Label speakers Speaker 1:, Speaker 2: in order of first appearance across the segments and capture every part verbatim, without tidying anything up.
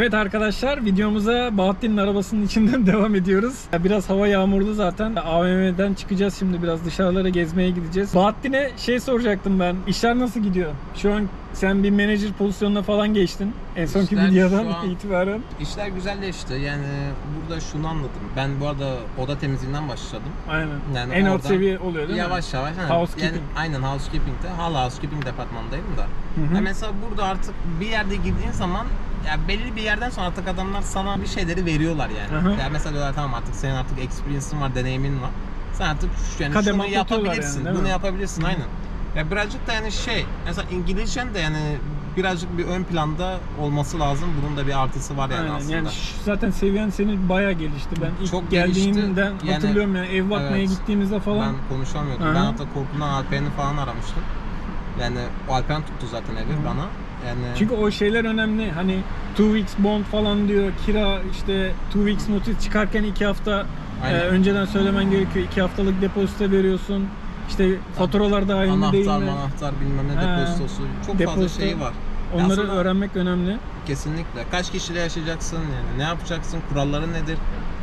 Speaker 1: Evet arkadaşlar, videomuza Bahattin'in arabasının içinden devam ediyoruz. Biraz hava yağmurlu zaten. A V M'den çıkacağız şimdi, biraz dışarılara gezmeye gideceğiz. Bahattin'e şey soracaktım ben. İşler nasıl gidiyor? Şu an sen bir menajer pozisyonuna falan geçtin. En sonki
Speaker 2: İşler
Speaker 1: videodan
Speaker 2: şu an-
Speaker 1: itibaren.
Speaker 2: İşler güzelleşti. Yani burada şunu anladım. Ben bu arada oda temizliğinden başladım.
Speaker 1: Aynen.
Speaker 2: Yani
Speaker 1: en alt
Speaker 2: oradan
Speaker 1: seviye oluyor değil
Speaker 2: yavaş
Speaker 1: mi?
Speaker 2: yavaş. Yani,
Speaker 1: Housekeeping.
Speaker 2: Yani, aynen housekeeping'de. Hala housekeeping departmanındayım da.
Speaker 1: Hı hı.
Speaker 2: Yani mesela burada artık bir yerde girdiğin zaman ya belli bir yerden sonra artık adamlar sana bir şeyleri veriyorlar yani.
Speaker 1: Hı hı.
Speaker 2: Yani mesela diyorlar tamam artık senin artık experience'ın var, deneyimin var. Sen artık şu, yani
Speaker 1: Kademe
Speaker 2: şunu yapabilirsin,
Speaker 1: yani, değil
Speaker 2: bunu
Speaker 1: mi?
Speaker 2: yapabilirsin
Speaker 1: Hı hı.
Speaker 2: aynen. Ya birazcık da yani şey, mesela İngilizcen de yani birazcık bir ön planda olması lazım. Bunun da bir artısı var yani
Speaker 1: Aynen.
Speaker 2: aslında.
Speaker 1: Yani şu- zaten seviyen senin bayağı gelişti. Ben ilk
Speaker 2: Çok
Speaker 1: geldiğinden
Speaker 2: gelişti. Yani-
Speaker 1: hatırlıyorum yani ev bakmaya
Speaker 2: Evet.
Speaker 1: gittiğimizde falan.
Speaker 2: Ben konuşamıyordum.
Speaker 1: Hı hı.
Speaker 2: Ben hatta korkumdan Alperen'i falan aramıştım. Yani o Alperen tuttu zaten evi
Speaker 1: Hı hı.
Speaker 2: bana. Yani
Speaker 1: Çünkü o şeyler önemli. Hani two weeks bond falan diyor. Kira işte two weeks notice çıkarken iki hafta e,
Speaker 2: Aynen.
Speaker 1: önceden söylemen gerekiyor. iki haftalık depozito veriyorsun. İşte faturalar dahil değil
Speaker 2: anahtar,
Speaker 1: mi?
Speaker 2: anahtar bilmem ne
Speaker 1: Ha.
Speaker 2: depozitosu. Çok fazla
Speaker 1: Depozito.
Speaker 2: şeyi var.
Speaker 1: Onları
Speaker 2: Aslında
Speaker 1: öğrenmek önemli.
Speaker 2: kesinlikle. Kaç kişiyle yaşayacaksın yani? Ne yapacaksın? Kuralları nedir?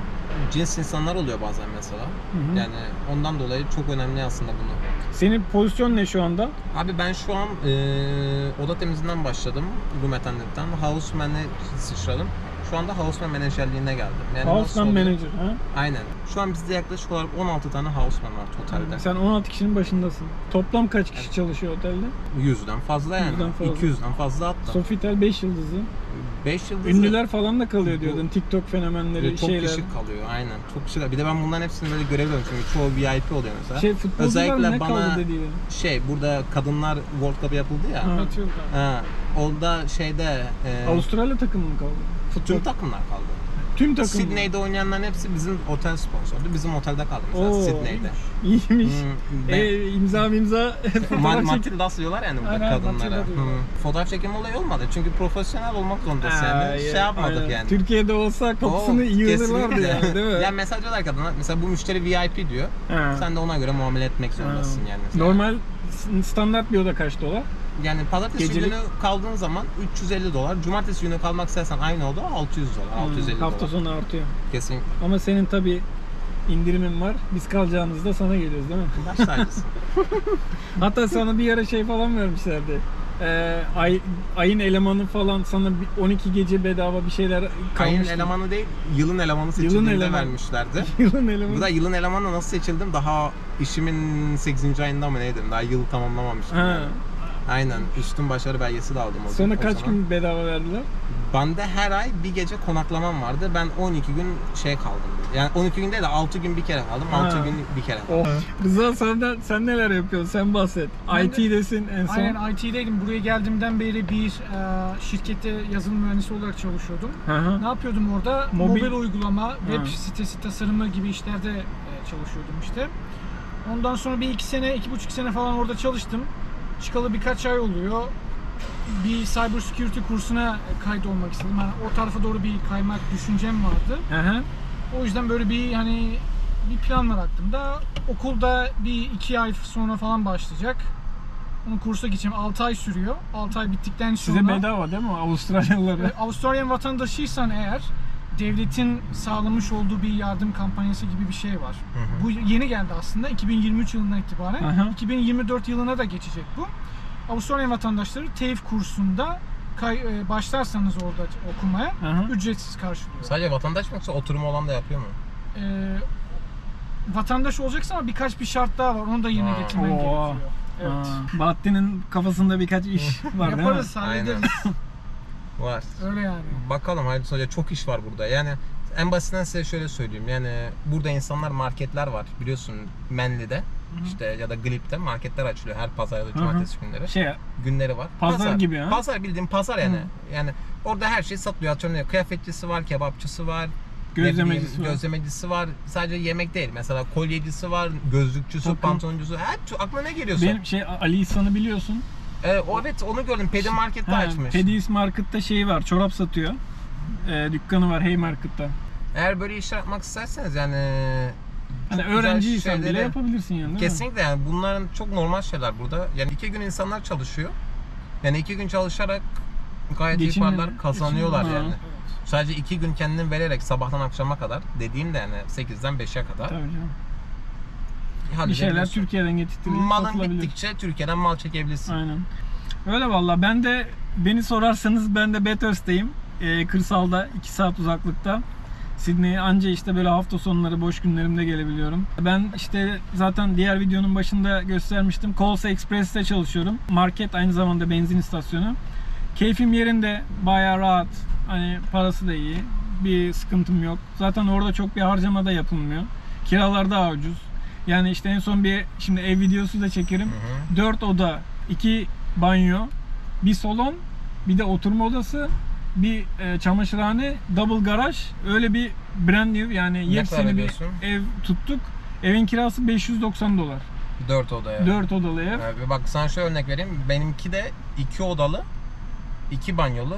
Speaker 2: Cins insanlar oluyor bazen mesela.
Speaker 1: Hı hı.
Speaker 2: Yani ondan dolayı çok önemli aslında bunu.
Speaker 1: Senin pozisyon ne şu anda?
Speaker 2: Abi ben şu an eee oda temizliğinden başladım. Room attendant'tan. Houseman'e sıçradım. Şu anda houseman menajerliğine geldim. Yani nasıl
Speaker 1: Houseman
Speaker 2: oluyor?
Speaker 1: manager. Ha?
Speaker 2: Aynen. Şu an bizde yaklaşık olarak on altı tane houseman var totalde.
Speaker 1: Sen on altı kişinin başındasın. Toplam kaç kişi çalışıyor otelde?
Speaker 2: yüzden fazla yani.
Speaker 1: Yüzden fazla.
Speaker 2: iki yüzden fazla hatta.
Speaker 1: Sofitel beş yıldızı.
Speaker 2: beş yıldızlı.
Speaker 1: Ünlüler falan da kalıyor
Speaker 2: Bu-
Speaker 1: diyordun. TikTok fenomenleri,
Speaker 2: çok
Speaker 1: şeyler.
Speaker 2: kişi kalıyor aynen. Çok kişi. Bir de ben bunların hepsini böyle görevliyorum çünkü çoğu V I P oluyor mesela.
Speaker 1: Şey futbolcular
Speaker 2: Özellikle
Speaker 1: ne
Speaker 2: bana
Speaker 1: kaldı dediğin?
Speaker 2: şey burada kadınlar World Cup yapıldı ya.
Speaker 1: Ha.
Speaker 2: Ha, orada şeyde e,
Speaker 1: Avustralya takımı mı kaldı? Futbol.
Speaker 2: tüm takımlar kaldı.
Speaker 1: Tüm takım.
Speaker 2: Sydney'de oynayanların hepsi bizim otel sponsordu. Bizim otelde kaldı mesela
Speaker 1: Oo,
Speaker 2: Sydney'de.
Speaker 1: İyiymiş.
Speaker 2: Hmm, ben-
Speaker 1: E, imza imza
Speaker 2: Ma-
Speaker 1: fotoğraf çek.
Speaker 2: Matildas diyorlar yani burada
Speaker 1: Aynen,
Speaker 2: kadınlara.
Speaker 1: Matilda diyorlar.
Speaker 2: Hmm. Fotoğraf çekim olayı olmadı çünkü profesyonel olmak zorundasın
Speaker 1: Aa,
Speaker 2: yani. Şey
Speaker 1: ya,
Speaker 2: yapmadık
Speaker 1: aynen.
Speaker 2: yani.
Speaker 1: Türkiye'de olsa kapısını
Speaker 2: Oo,
Speaker 1: yığılırlardı
Speaker 2: kesinlikle.
Speaker 1: yani değil mi?
Speaker 2: Yani mesaj diyorlar kadına mesela bu müşteri V I P diyor.
Speaker 1: Ha.
Speaker 2: Sen de ona göre muamele etmek zorundasın
Speaker 1: Ha.
Speaker 2: yani. Mesela.
Speaker 1: Normal s- standart bir oda kaç dolar?
Speaker 2: Yani pazartesi
Speaker 1: Gecelik-
Speaker 2: günü kaldığın zaman üç yüz elli dolar. Cumartesi günü kalmak istersen aynı oda altı yüz dolar. altı yüz elli
Speaker 1: Hmm, hafta
Speaker 2: dolar.
Speaker 1: sonu artıyor.
Speaker 2: Kesinlikle.
Speaker 1: Ama senin tabi indirimin var. Biz kalacağımızda sana geliyoruz değil mi?
Speaker 2: Baş tacısın.
Speaker 1: Hatta sana bir ara şey falan vermişlerdi. Ee, ay, ayın elemanı falan sana bir on iki gece bedava bir şeyler
Speaker 2: Ayın
Speaker 1: kalmıştı.
Speaker 2: elemanı değil, yılın elemanı seçildiğinde
Speaker 1: elemanı.
Speaker 2: vermişlerdi.
Speaker 1: Yılın elemanı.
Speaker 2: Bu da yılın elemanı nasıl seçildim? Daha işimin sekizinci ayında mı neydim? Daha yılı tamamlamamıştım.
Speaker 1: Ha.
Speaker 2: Yani. Aynen. Üstün başarı belgesi de aldım o
Speaker 1: Sonra
Speaker 2: o
Speaker 1: kaç
Speaker 2: zaman.
Speaker 1: gün bedava verdiler?
Speaker 2: Bende her ay bir gece konaklamam vardı. Ben on iki gün şey kaldım. Yani on iki gün değil de altı gün bir kere kaldım.
Speaker 1: Ha.
Speaker 2: altı gün bir kere kaldım.
Speaker 1: Oh. Rıza senden, sen neler yapıyorsun? Sen bahset.
Speaker 3: Ben
Speaker 1: I T'desin en son.
Speaker 3: Aynen I T'deydim. Buraya geldiğimden beri bir e, şirkette yazılım mühendisi olarak çalışıyordum.
Speaker 1: Hı hı.
Speaker 3: Ne yapıyordum orada?
Speaker 1: Mobil-
Speaker 3: Mobil, uygulama, web
Speaker 1: Ha.
Speaker 3: sitesi tasarımı gibi işlerde e, çalışıyordum işte. Ondan sonra bir iki sene, iki buçuk sene falan orada çalıştım. Çıkalı birkaç ay oluyor. Bir cyber security kursuna kaydolmak istedim. Yani o tarafa doğru bir kaymak düşüncem vardı.
Speaker 1: Hı hı.
Speaker 3: O yüzden böyle bir hani bir plan var aklımda. Okulda bir iki ay sonra falan başlayacak. Onun kursa gideceğim. altı ay sürüyor. altı ay bittikten sonra...
Speaker 1: Size bedava değil mi Avustralyalılara?
Speaker 3: Ve Avustralyan vatandaşıysan eğer devletin sağlamış olduğu bir yardım kampanyası gibi bir şey var.
Speaker 2: Hı hı.
Speaker 3: Bu yeni geldi aslında iki bin yirmi üç yılından itibaren.
Speaker 1: Hı hı.
Speaker 3: iki bin yirmi dört yılına da geçecek bu. Avustralyan vatandaşları TAFE kursunda kay, e, başlarsanız orada okumaya
Speaker 1: Hı hı.
Speaker 3: ücretsiz karşılıyor.
Speaker 2: Sadece vatandaş mı yoksa oturumu olan da yapıyor mu?
Speaker 3: Ee, vatandaş olacaksın ama birkaç bir şart daha var. Onu da yerine
Speaker 2: Ha.
Speaker 3: getirmen
Speaker 1: Oo.
Speaker 3: gerekiyor. Evet.
Speaker 1: Aa, Bahattin'in kafasında birkaç iş var değil mi?
Speaker 3: Yaparız, hallederiz.
Speaker 2: Var.
Speaker 3: Öyle yani.
Speaker 2: Bakalım hayırlısı olacak. Çok iş var burada. Yani en basitinden size şöyle söyleyeyim. Yani burada insanlar marketler var. Biliyorsun Manly'de işte ya da Glip'te marketler açılıyor her pazar ya da cumartesi günleri.
Speaker 1: Şey,
Speaker 2: Günleri var.
Speaker 1: Pazar gibi ha?
Speaker 2: Pazar bildiğin pazar yani.
Speaker 1: Hı.
Speaker 2: Yani orada her şey satılıyor. Atıyorum kıyafetçisi var, kebapçısı var. ne
Speaker 1: gözlemecisi
Speaker 2: bileyim,
Speaker 1: var.
Speaker 2: Gözlemecisi var. Sadece yemek değil. Mesela kolyecisi var, gözlükçüsü,
Speaker 1: Takım.
Speaker 2: pantoloncusu. Her aklına ne geliyorsa.
Speaker 1: Benim şey Ali İhsan'ı biliyorsun.
Speaker 2: Ee, o evet onu gördüm. Pedi Market'te
Speaker 1: Ha,
Speaker 2: açmış.
Speaker 1: Pedis Market'ta şeyi var, çorap satıyor. Ee, dükkanı var Haymarket'ta.
Speaker 2: Eğer böyle işler yapmak isterseniz yani
Speaker 1: Hani
Speaker 2: çok güzel
Speaker 1: öğrenciysen bile
Speaker 2: şeyleri-
Speaker 1: yapabilirsin yani değil mi?
Speaker 2: Kesinlikle yani bunların çok normal şeyler burada. Yani iki gün insanlar çalışıyor. Yani iki gün çalışarak gayet iyi
Speaker 1: Geçinme-
Speaker 2: paralar kazanıyorlar
Speaker 1: geçinme-
Speaker 2: yani.
Speaker 1: Ha.
Speaker 3: Evet.
Speaker 2: Sadece iki gün kendini vererek sabahtan akşama kadar, dediğim de yani sekizden beşe kadar
Speaker 1: Tabii canım. Bir
Speaker 2: halledebiliyorsun.
Speaker 1: şeyler Türkiye'den getirtilip
Speaker 2: Malın
Speaker 1: satılabilir.
Speaker 2: bittikçe Türkiye'den mal çekebilirsin.
Speaker 1: Aynen. Öyle valla. Ben de, beni sorarsanız ben de Bathurst'teyim. Ee, kırsalda iki saat uzaklıkta. Sydney'e anca işte böyle hafta sonları boş günlerimde gelebiliyorum. Ben işte zaten diğer videonun başında göstermiştim. Coles Express'te çalışıyorum. Market, aynı zamanda benzin istasyonu. Keyfim yerinde, bayağı rahat. Hani parası da iyi. Bir sıkıntım yok. Zaten orada çok bir harcama da yapılmıyor. Kiralar daha ucuz. Yani işte en son bir, şimdi ev videosu da çekerim.
Speaker 2: Hı hı.
Speaker 1: dört oda, iki banyo, bir salon, bir de oturma odası, bir e, çamaşırhane, double garaj. Öyle bir brand new, yani
Speaker 2: Ne kadar
Speaker 1: yepyeni bir
Speaker 2: ödüyorsun?
Speaker 1: ev tuttuk. Evin kirası beş yüz doksan dolar.
Speaker 2: Dört odaya.
Speaker 1: dört odalı ev.
Speaker 2: Ee, bak sana şöyle örnek vereyim. Benimki de iki odalı, iki banyolu,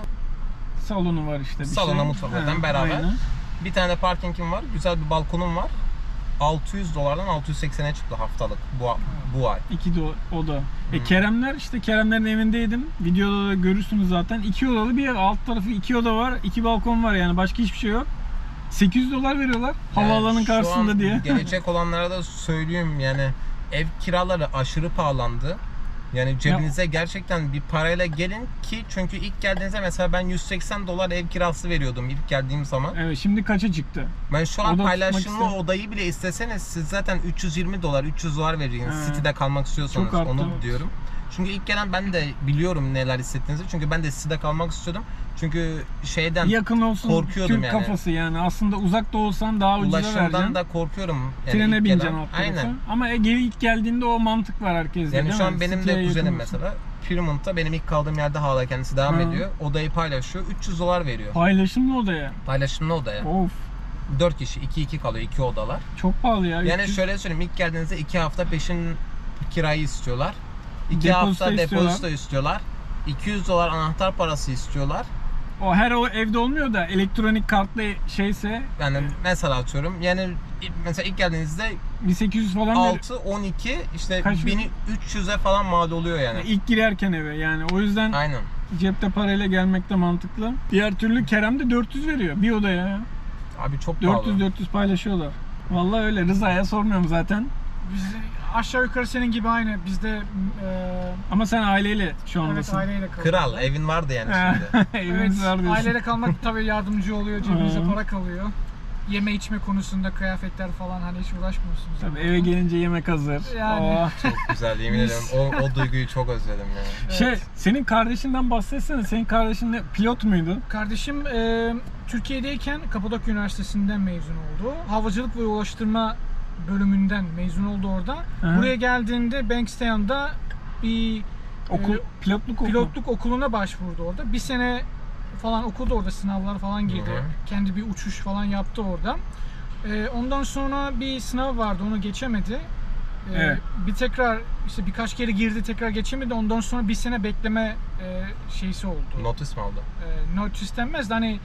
Speaker 1: Salonu var işte bir
Speaker 2: Salona,
Speaker 1: şey.
Speaker 2: mutfak
Speaker 1: Ha,
Speaker 2: zaten beraber.
Speaker 1: aynen.
Speaker 2: bir tane parkingim var, güzel bir balkonum var. altı yüz dolardan altı yüz seksene çıktı haftalık bu bu ay.
Speaker 1: İki de oda. E
Speaker 2: Hmm.
Speaker 1: Keremler, işte Keremlerin evindeydim. Videoda da görürsünüz zaten. İki odalı bir ev. Alt tarafı iki oda var. iki balkon var, yani başka hiçbir şey yok. sekiz yüz dolar veriyorlar. Havaalanının
Speaker 2: Yani şu
Speaker 1: karşısında
Speaker 2: an
Speaker 1: diye.
Speaker 2: gelecek olanlara da söyleyeyim, yani ev kiraları aşırı pahalandı. Yani cebinize gerçekten bir parayla gelin ki, çünkü ilk geldiğinizde mesela ben yüz seksen dolar ev kirası veriyordum ilk geldiğim zaman.
Speaker 1: Evet, şimdi kaça çıktı?
Speaker 2: Ben şu an
Speaker 1: Oda tutmak
Speaker 2: paylaşımlı
Speaker 1: istedim.
Speaker 2: odayı bile isteseniz siz zaten üç yüz yirmi dolar, üç yüz dolar vereceksiniz.
Speaker 1: He.
Speaker 2: City'de kalmak istiyorsanız,
Speaker 1: Çok arttı,
Speaker 2: onu
Speaker 1: evet.
Speaker 2: diyorum. Çünkü ilk gelen ben de biliyorum neler hissettiğinizi. Çünkü ben de City'de kalmak istiyordum. Çünkü şeyden
Speaker 1: Yakın olsun,
Speaker 2: korkuyordum
Speaker 1: Türk
Speaker 2: yani.
Speaker 1: kafası yani. Aslında uzak da olsan daha ucuza vereceksin.
Speaker 2: ulaşımdan da korkuyorum. Yani
Speaker 1: Trene
Speaker 2: ilk
Speaker 1: bineceksin
Speaker 2: gelen-
Speaker 1: alt tarafı.
Speaker 2: Aynen.
Speaker 1: Ama e, geri ilk geldiğinde o mantık var herkeste,
Speaker 2: Yani
Speaker 1: değil
Speaker 2: şu
Speaker 1: mi?
Speaker 2: an benim
Speaker 1: City'ye
Speaker 2: de
Speaker 1: yakın
Speaker 2: kuzenim
Speaker 1: olsun.
Speaker 2: mesela Fremont'ta, benim ilk kaldığım yerde hala kendisi devam
Speaker 1: Ha.
Speaker 2: ediyor. Odayı paylaşıyor. üç yüz dolar veriyor.
Speaker 1: Paylaşımlı odaya.
Speaker 2: Paylaşımlı odaya.
Speaker 1: Of,
Speaker 2: dört kişi, iki iki kalıyor, iki odalar.
Speaker 1: çok pahalı ya.
Speaker 2: Yani
Speaker 1: üç yüz
Speaker 2: şöyle söyleyeyim, ilk geldiğinizde iki hafta peşin kirayı istiyorlar. iki
Speaker 1: Depozito
Speaker 2: hafta
Speaker 1: istiyorlar.
Speaker 2: depozito istiyorlar. iki yüz dolar anahtar parası istiyorlar.
Speaker 1: O her o evde olmuyor da elektronik kartlı şeyse
Speaker 2: Yani mesela atıyorum, yani mesela ilk geldiğinizde
Speaker 1: bir sekiz yüz falan ver.
Speaker 2: altı on iki işte
Speaker 1: Kaç
Speaker 2: bin üç yüze falan mal oluyor yani.
Speaker 1: İlk girerken eve, yani o yüzden
Speaker 2: Aynen.
Speaker 1: cepte parayla gelmek de mantıklı. Diğer türlü Kerem de dört yüz veriyor bir odaya ya.
Speaker 2: Abi çok
Speaker 1: dört yüz
Speaker 2: pahalı.
Speaker 1: dört yüz paylaşıyorlar. Vallahi öyle, Rıza'ya sormuyorum zaten.
Speaker 3: Biz aşağı yukarı senin gibi aynı. Bizde e,
Speaker 1: Ama sen aileyle şu
Speaker 3: evet,
Speaker 1: andasın.
Speaker 3: aileyle kalıyoruz.
Speaker 2: Kral, evin vardı yani şimdi.
Speaker 3: Evet,
Speaker 1: Evimiz var diyorsun.
Speaker 3: aileyle kalmak tabii yardımcı oluyor. Cebinize
Speaker 1: Hı.
Speaker 3: para kalıyor. Yeme içme konusunda, kıyafetler falan, hani hiç uğraşmıyorsunuz.
Speaker 1: Tabii eve gelince yemek hazır.
Speaker 3: Yani.
Speaker 1: Oh.
Speaker 2: Çok güzel, yemin ederim. O, o duyguyu çok özledim ya.
Speaker 3: Evet.
Speaker 1: Şey, senin kardeşinden bahsetsene. Senin kardeşin de pilot muydu?
Speaker 3: Kardeşim e, Türkiye'deyken Kapadokya Üniversitesi'nden mezun oldu. Havacılık ve ulaştırma bölümünden mezun oldu orada.
Speaker 1: Hı.
Speaker 3: Buraya geldiğinde Bankstown'da bir
Speaker 1: Okul,
Speaker 3: e,
Speaker 1: pilotluk okulu.
Speaker 3: pilotluk okuluna başvurdu orada. Bir sene falan okudu orada, sınavlar falan girdi.
Speaker 2: Hı hı.
Speaker 3: Kendi bir uçuş falan yaptı orada. E, ondan sonra bir sınav vardı, onu geçemedi. E,
Speaker 1: Evet.
Speaker 3: Bir tekrar işte birkaç kere girdi, tekrar geçemedi. Ondan sonra bir sene bekleme e, şeysi oldu.
Speaker 2: Notis mi aldı?
Speaker 3: E, notice denmez de hani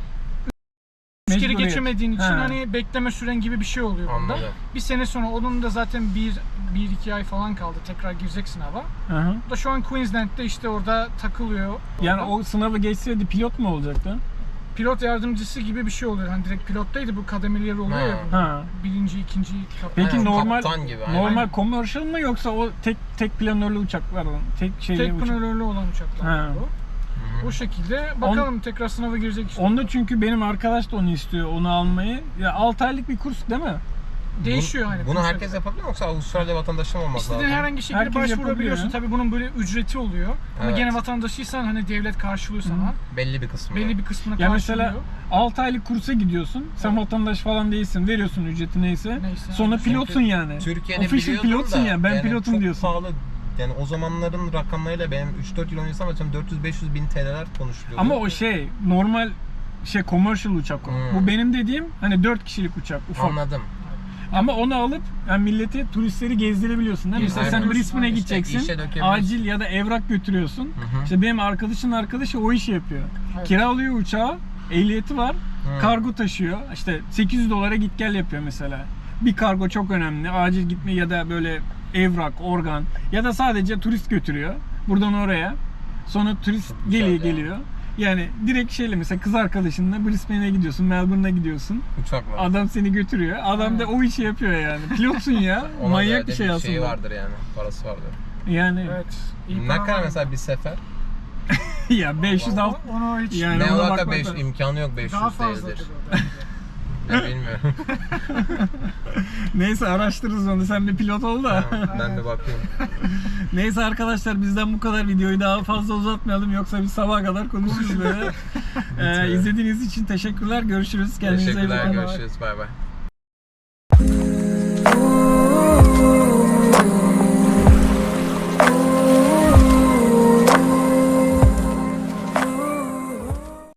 Speaker 3: üç kere
Speaker 1: Mecburiyet.
Speaker 3: geçemediğin için
Speaker 1: Ha.
Speaker 3: hani bekleme süren gibi bir şey oluyor bunda.
Speaker 2: Anladım.
Speaker 3: Bir sene sonra onun da zaten bir, bir iki ay falan kaldı, tekrar girecek sınava.
Speaker 1: Hı hı.
Speaker 3: O da şu an Queensland'de işte orada takılıyor.
Speaker 1: Yani
Speaker 3: Orada.
Speaker 1: o sınavı geçseydi pilot mu olacaktı?
Speaker 3: Pilot yardımcısı gibi bir şey oluyor. Hani direkt pilottaydı, bu kademeleri oluyor
Speaker 2: Ha.
Speaker 3: ya. bunda.
Speaker 1: Ha.
Speaker 3: Birinci, ikinci kaptan.
Speaker 1: Peki
Speaker 2: Aynen,
Speaker 1: normal
Speaker 2: kaptan gibi, aynen.
Speaker 1: normal commercial mı, yoksa o tek tek planörlü uçaklar mı? Tek şeyli
Speaker 3: Tek
Speaker 1: uçak.
Speaker 3: planörlü olan uçaklar
Speaker 1: Ha.
Speaker 3: bu.
Speaker 2: Hı hı.
Speaker 3: O şekilde bakalım, tekrar sınava girecek işte.
Speaker 1: Onda çünkü benim arkadaş da onu istiyor, onu almayı. Ya altı aylık bir kurs değil mi?
Speaker 3: Değişiyor
Speaker 2: Bunu-
Speaker 3: hani.
Speaker 2: Bunu
Speaker 3: konsept.
Speaker 2: herkes yapabilir mi, yoksa Avustralya vatandaşı mı olması
Speaker 3: İstediğin
Speaker 2: lazım?
Speaker 3: herhangi şekilde
Speaker 1: Herkes
Speaker 3: başvurabiliyorsun.
Speaker 1: yapabiliyor.
Speaker 3: Tabii bunun böyle ücreti oluyor. Ama
Speaker 2: Evet.
Speaker 3: gene vatandaşıysan hani devlet karşılıyor sana.
Speaker 2: Belli bir kısmı.
Speaker 3: Belli bir kısmını
Speaker 1: Ya
Speaker 3: karşılıyor.
Speaker 1: mesela altı aylık kursa gidiyorsun. Sen vatandaş falan değilsin. Veriyorsun ücreti neyse.
Speaker 3: Neyse.
Speaker 1: Sonra
Speaker 3: Çünkü
Speaker 1: pilotsun yani.
Speaker 2: Türkiye'de
Speaker 1: Official
Speaker 2: biliyordum
Speaker 1: pilotsun
Speaker 2: da,
Speaker 1: ya. Ben
Speaker 2: yani
Speaker 1: pilotum
Speaker 2: çok
Speaker 1: diyorsun.
Speaker 2: pahalı. Yani o zamanların rakamlarıyla benim üç dört yıl öncesi ama dört yüz beş yüz bin T L'ler konuşuluyordu.
Speaker 1: Ama o şey normal şey commercial uçak o.
Speaker 2: Hmm.
Speaker 1: Bu benim dediğim hani dört kişilik uçak, ufak.
Speaker 2: Anladım.
Speaker 1: Ama onu alıp yani milleti, turistleri gezdirebiliyorsun değil mi? Mesela sen
Speaker 3: Aynen.
Speaker 1: Brisbane'e
Speaker 3: İşte
Speaker 1: gideceksin.
Speaker 2: işe dökebiliyorsun.
Speaker 1: Acil ya da evrak götürüyorsun.
Speaker 2: Hı hı.
Speaker 1: İşte benim arkadaşın arkadaşı o işi yapıyor.
Speaker 3: Evet.
Speaker 1: Kiralıyor uçağı, ehliyeti var.
Speaker 2: Hı.
Speaker 1: Kargo taşıyor. İşte sekiz yüz dolara git gel yapıyor mesela. Bir kargo çok önemli. Acil gitme ya da böyle evrak, organ ya da sadece turist götürüyor. Buradan oraya. Sonra turist
Speaker 2: Çok güzel
Speaker 1: geliyor
Speaker 2: ya.
Speaker 1: geliyor. Yani direkt şeyle mesela kız arkadaşınla Brisbane'e gidiyorsun, Melbourne'a gidiyorsun.
Speaker 2: Uçakla.
Speaker 1: Adam seni götürüyor. Adam da o işi yapıyor yani. Pilotsun ya.
Speaker 2: Ona
Speaker 1: Manyak
Speaker 2: göre
Speaker 1: bir
Speaker 2: de
Speaker 1: şey aslında.
Speaker 2: şeyi vardır yani. Parası vardır.
Speaker 1: Yani
Speaker 3: Evet. iyi
Speaker 2: Ne
Speaker 3: para
Speaker 2: kadar
Speaker 3: var.
Speaker 2: mesela bir sefer?
Speaker 1: ya beş yüz alt
Speaker 3: O- Onu hiç
Speaker 1: Yani
Speaker 2: ne
Speaker 1: ona
Speaker 2: alaka
Speaker 1: bakmak
Speaker 2: beş
Speaker 1: lazım.
Speaker 2: imkanı yok beş
Speaker 3: daha
Speaker 2: yüz
Speaker 3: fazla
Speaker 2: değildir.
Speaker 3: bence.
Speaker 2: Ya bilmiyorum.
Speaker 1: Neyse araştırırız onu. Sen bir pilot ol da.
Speaker 2: Tamam, ben bir bakayım.
Speaker 1: Neyse arkadaşlar bizden bu kadar, videoyu daha fazla uzatmayalım yoksa biz sabaha kadar konuşuruz böyle. ee, izlediğiniz için teşekkürler. Görüşürüz. Kendinize iyi
Speaker 2: Teşekkürler,
Speaker 1: bakın.
Speaker 2: görüşürüz. Bay bay.